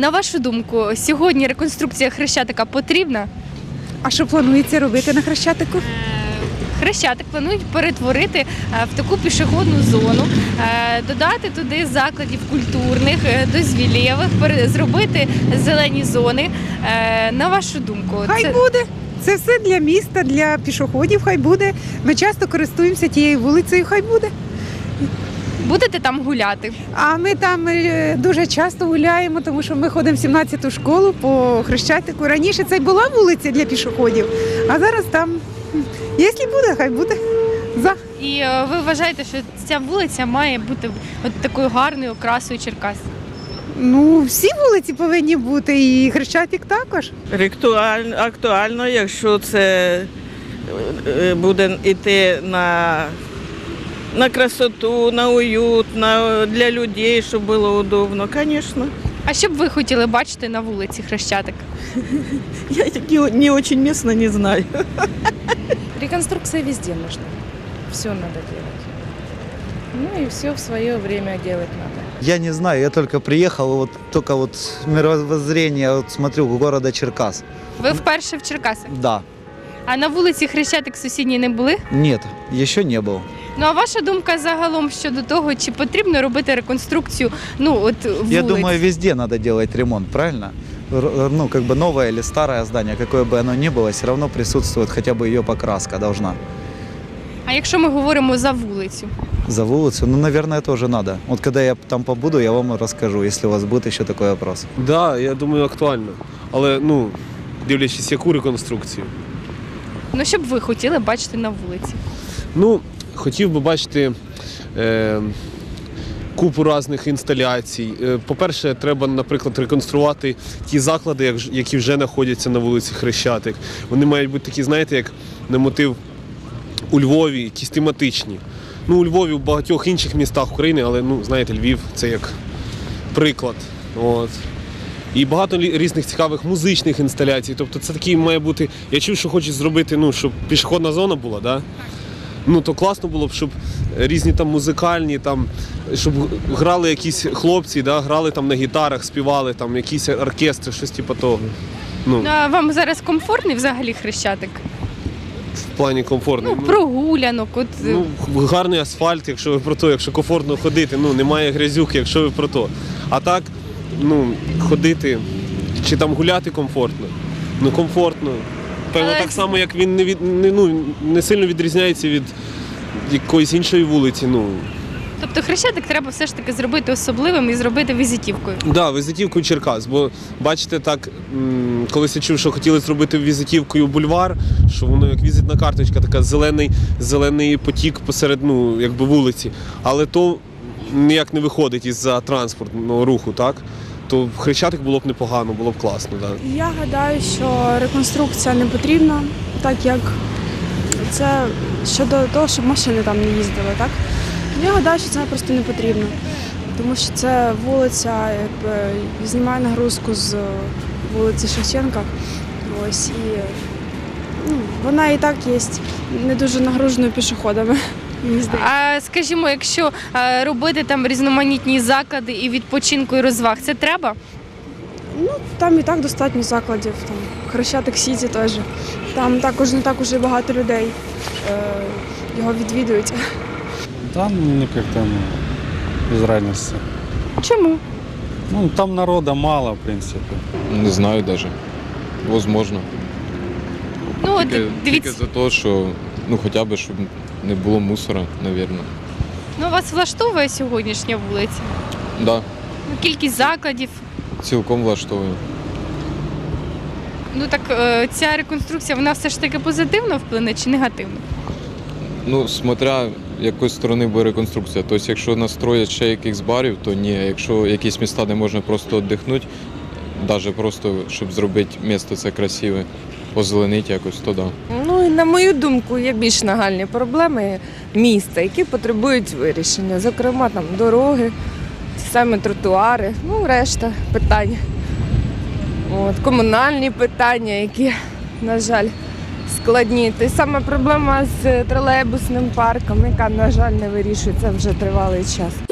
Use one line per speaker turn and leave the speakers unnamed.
На вашу думку, сьогодні реконструкція Хрещатика потрібна?
А що планується робити на Хрещатику?
Хрещатик планують перетворити в таку пішохідну зону, додати туди закладів культурних, дозвілєвих, зробити зелені зони. На вашу думку,
Хай буде. Це все для міста, для пішоходів, хай буде. Ми часто користуємося тією вулицею, хай буде.
будете там гуляти?
А ми там дуже часто гуляємо, тому що ми ходимо в 17-ту школу по Хрещатику. Раніше це була вулиця для пішоходів, а зараз там, якщо буде, хай буде. За.
І ви вважаєте, що ця вулиця має бути от такою гарною окрасою Черкас?
Ну, всі вулиці повинні бути, і Хрещатик також.
Актуально, якщо це буде йти на красоту, на уют, для людей, щоб було удобно, звісно.
А що б ви хотіли бачити на вулиці Хрещатик?
Я не очень местно не знаю.
Реконструкция везде нужна. Все надо делать. Ну и все в свое время делать надо.
Я не знаю, я только приехал, только мировоззрение, смотрю, города Черкас.
Ви вперше в Черкасах?
Да,
А на вулиці Хрещатик сусідній не були?
нет, еще не был.
Ну а ваша думка загалом щодо того, чи потрібно робити реконструкцію, вулиць?
Я думаю, везде надо делать ремонт, правильно? Ну, как бы новое или старое здание, какое бы оно ни было, все равно присутствует хотя бы ее покраска должна.
А якщо ми говоримо за вулицю?
За улицу, ну, наверное, тоже надо. Вот когда я там побуду, я вам расскажу, если у вас будет еще такой вопрос.
Да, я думаю, актуально. Але, дивлячись, яку реконструкцію.
Ну, що б ви хотіли бачити на вулиці?
Хотів би бачити купу різних інсталяцій. По-перше, треба, наприклад, реконструвати ті заклади, які вже знаходяться на вулиці Хрещатик. Вони мають бути такі, знаєте, як на мотив у Львові, якісь тематичні. У Львові, в багатьох інших містах України, але, знаєте, Львів – це як приклад. От. І багато різних цікавих музичних інсталяцій. Тобто це такий має бути... Я чув, що хочуть зробити, щоб пішохідна зона була, да? То класно було б, щоб різні там музикальні, щоб грали якісь хлопці, да? Грали там на гітарах, співали, там якісь оркестри, щось типу того.
А вам зараз комфортний взагалі Хрещатик?
В плані комфортно.
Прогулянок.
Гарний асфальт, якщо ви про то, якщо комфортно ходити, немає грязюки, якщо ви про то. А так, ходити, чи там гуляти комфортно? Комфортно. Певно, так само, як він не сильно відрізняється від якоїсь іншої вулиці.
Тобто Хрещатик треба все ж таки зробити особливим і зробити візитівкою?
Так, да, візитівкою Черкас, бо бачите, так, колись я чув, що хотіли зробити візитівкою бульвар, що воно як візитна карточка, така зелений потік посеред вулиці, але то ніяк не виходить із-за транспортного руху, так? То Хрещатик було б непогано, було б класно. Да.
Я гадаю, що реконструкція не потрібна, так як це щодо того, щоб машини там не їздили, так? Я гадаю, що це просто не потрібно, тому що це вулиця знімає нагрузку з вулиці Шевченка. Ось, і вона і так є не дуже нагруженою пішоходами.
А скажімо, якщо робити там різноманітні заклади і відпочинку, і розваг, це треба?
Там і так достатньо закладів. Там Хрещатик Сіті теж. Там також не так уже багато людей його відвідують.
Там как-то без разницы.
Чому?
Там народа мало, в принципе.
Не знаю даже. Возможно. Тільки за те, що хоча б, щоб не було мусора, мабуть.
Вас влаштовує сьогоднішня вулиця?
Да.
Кількість закладів?
Цілком влаштовує.
Ця реконструкція, вона все ж таки позитивно вплине чи негативно?
Смотря якої сторони буде реконструкція. Тобто, якщо настроять ще якихось барів, то ні. Якщо якісь міста, де можна просто віддихнути, навіть просто, щоб зробити місто це красиве, озеленити якось, то да.
І на мою думку, є більш нагальні проблеми міста, які потребують вирішення. Зокрема, там дороги, ті самі тротуари, решта питань. Комунальні питання, які, на жаль, складні. Та й саме проблема з тролейбусним парком, яка, на жаль, не вирішується вже тривалий час.